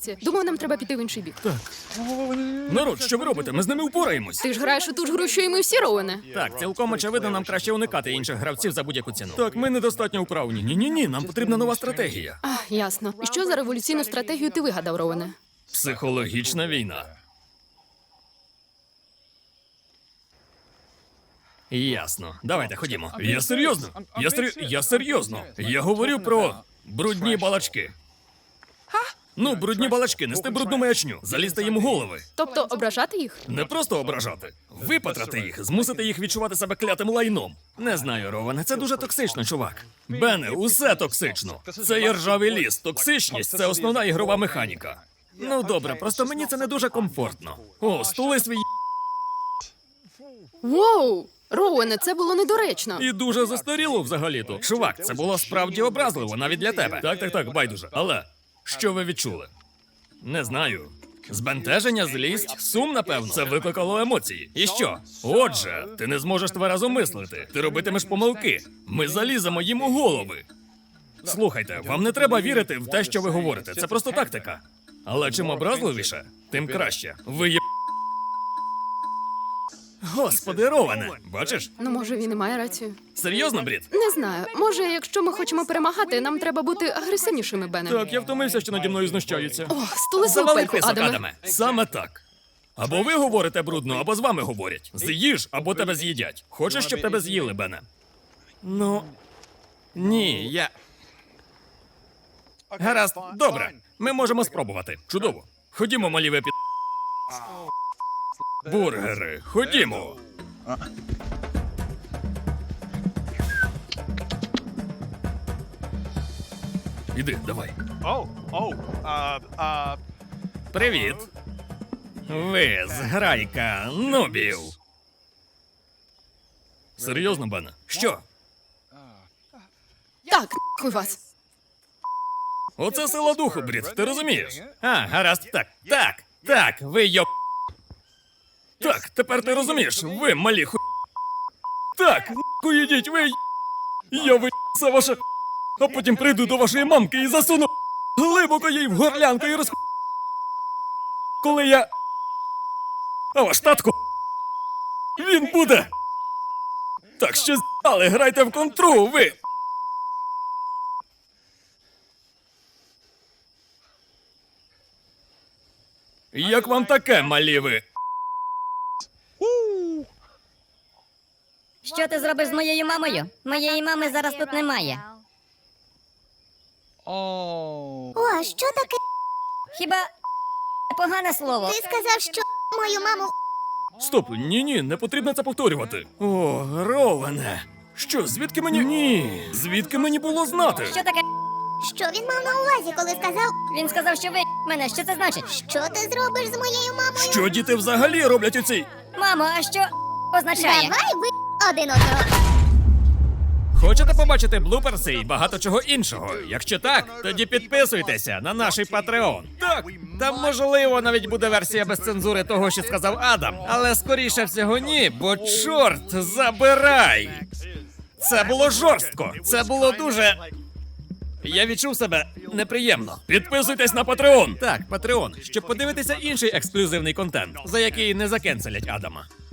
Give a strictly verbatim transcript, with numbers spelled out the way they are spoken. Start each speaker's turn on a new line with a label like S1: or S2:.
S1: реакція. Думаю, нам треба піти в інший бік.
S2: Так. Народ, що ви робите? Ми з ними впораємось.
S1: Ти ж граєш у ту ж гру, що і ми всі, Роуене.
S2: Так, цілком очевидно, нам краще уникати інших гравців за будь-яку ціну. Так, ми недостатньо вправні. Ні-ні-ні, нам потрібна нова стратегія.
S1: А, ясно. І що за революційну стратегію ти вигадав, Роуене?
S2: Психологічна війна. Ясно. Давайте, ходімо. Я серйозно. Я сер... Я серйозно. Я говорю про брудні балачки. Ну, брудні балачки, нести брудну маячню, залізти їм у голови.
S1: Тобто ображати їх?
S2: Не просто ображати, випатрати їх, змусити їх відчувати себе клятим лайном. Не знаю, Роване, це дуже токсично, чувак. Бене, усе токсично. Це є ржавий ліс. Токсичність – це основна ігрова механіка. Ну добре, просто мені це не дуже комфортно. О, стули свій
S1: Воу! Роуене, це було недоречно.
S2: і дуже застаріло взагалі-то. Чувак, це було справді образливо, навіть для тебе. Так, так, так, байдуже. Але що ви відчули? Не знаю. Збентеження, злість, сум, напевно. Це викликало емоції. І що? Отже, ти не зможеш тверезо мислити. Ти робитимеш помилки. Ми заліземо їм у голови. Слухайте, вам не треба вірити в те, що ви говорите. Це просто тактика. Але чим образливіше, тим краще. Ви є... Господи, Роване! Бачиш?
S1: Ну, може, він і має рацію.
S2: Серйозно, Брід?
S1: Не знаю. Може, якщо ми хочемо перемагати, нам треба бути агресивнішими, Бене.
S2: Так, я втомився, що наді мною знущаються.
S1: О, стули свою
S2: Завали
S1: пельку,
S2: писок,
S1: Адаме.
S2: Адаме. Саме так. Або ви говорите брудно, або з вами говорять. З'їж, або тебе з'їдять. Хочеш, щоб тебе з'їли, Бене? Ну... Ні, я... Гаразд, добре. Ми можемо спробувати. Чудово. Ходімо, малі ви під... Бургери, ходімо. Іди, давай.
S3: Oh, oh, uh, uh,
S2: Привіт. Ви зграйка нубів. Серйозно, Бене? Що?
S1: Так, нахуй вас.
S2: Оце сила духу, Брід, ти розумієш? А, гаразд, так, так, так, ви йоп... Так, тепер ти розумієш, ви малі ху... Так, нахуй ідіть, ви й- Я ви це ваше... А потім прийду до вашої мамки і засуну глибоко їй в горлянку і роз... Коли я... А ваш татко... Він буде... Так що з***али, грайте в контру, ви... Як вам таке, малі ви?
S4: Що ти зробиш з моєю мамою? Моєї мами зараз тут немає.
S3: oh.
S5: О, що таке?
S4: Хіба погане слово?
S5: Ти сказав, що мою маму
S2: Стоп, ні-ні, не потрібно це повторювати. О, Роване. Що, звідки мені... Ні, звідки мені було знати?
S4: Що таке?
S5: що він мав на увазі, коли сказав,
S4: Він сказав, що ви мене. Що це значить?
S5: що ти зробиш з моєю мамою?
S2: Що діти взагалі роблять у цій...
S4: Мамо, а що означає?
S5: Давай ви один одного.
S2: Хочете побачити блуперси і багато чого іншого? Якщо так, тоді підписуйтеся на наш Patreon. Так, там можливо навіть буде версія без цензури того, що сказав Адам. Але скоріше всього ні, бо чорт забирай! Це було жорстко, це було дуже... Я відчув себе неприємно. Підписуйтесь на Patreon! Так, Patreon, щоб подивитися інший ексклюзивний контент, за який не закенселять Адама.